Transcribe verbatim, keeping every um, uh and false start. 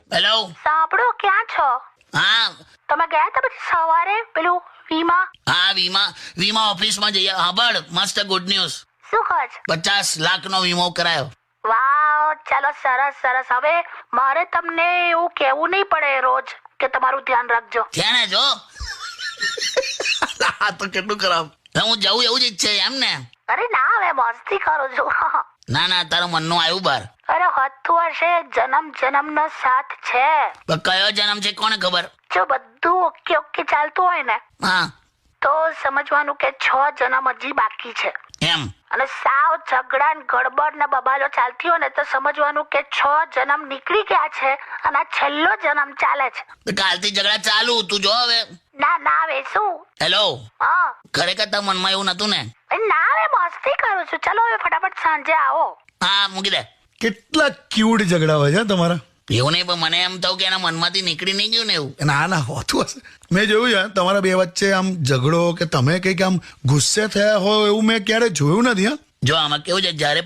Hello. સાંભળો, ક્યાં છો? હા તમે ગયા હતા પછી સવારે પેલું વીમા? હા વીમા વીમા ઓફિસમાં જઈએ. સાંભળ, મસ્ત ગુડ ન્યૂઝ. શું કહો છો? પચાસ લાખનો વીમો કરાયો. વાવ, ચાલો સરસ સરસ. હવે મારે તમને એવું કેવું નહીં પડે રોજ કે તમારું ધ્યાન રાખજો. છે ને જો. આ તો કેટલું ખરાબ. હું જવું એવું જ ઈચ્છે એમ ને? અરે ના, હવે મસ્તી કરું છું. ના ના, તારા મનનું આવ્યું બાર. અરે હતું હશે, જન્મ જન્મનો સાથ છે. પણ કયો જન્મ છે કોને ખબર? જો બધું ઓકે ઓકે ચાલતું હોય ને હા તો સમજવાનું કે છ જન્મ હજી બાકી છે. એમ. અને સાવ ઝઘડા ને ગડબડ ને બબાલો ચાલતી હોય ને તો સમજવાનું કે છ જન્મ નીકળી ગયા છે અને આ છેલ્લો જન્મ ચાલે છે. તો કાલથી ઝઘડા ચાલુ. તું જો હવે. ના ના, હવે શું? હેલો. હા. ખરેખર તારા મનમાં એવું નતું ને? એ ના, હવે મસ્તી કરું છું. ચલો હવે ફટાફટ સાંજે આવો. હા મૂકી દે. કેટલા ક્યુટ ઝઘડા હોય છે હં તમારા. એવું નહીં, પણ મને એમ થયું કે એના મનમાંથી નીકળી નહીં ગયું ને એવું. ના ના, હોતું હશે. મેં જોયું છે તમારા બે વચ્ચે આમ ઝઘડો કે તમે કંઈક આમ ગુસ્સે થયા હોય એવું મેં ક્યારે જોયું નથી. હા, જો આમાં કેવું છે, જ્યારે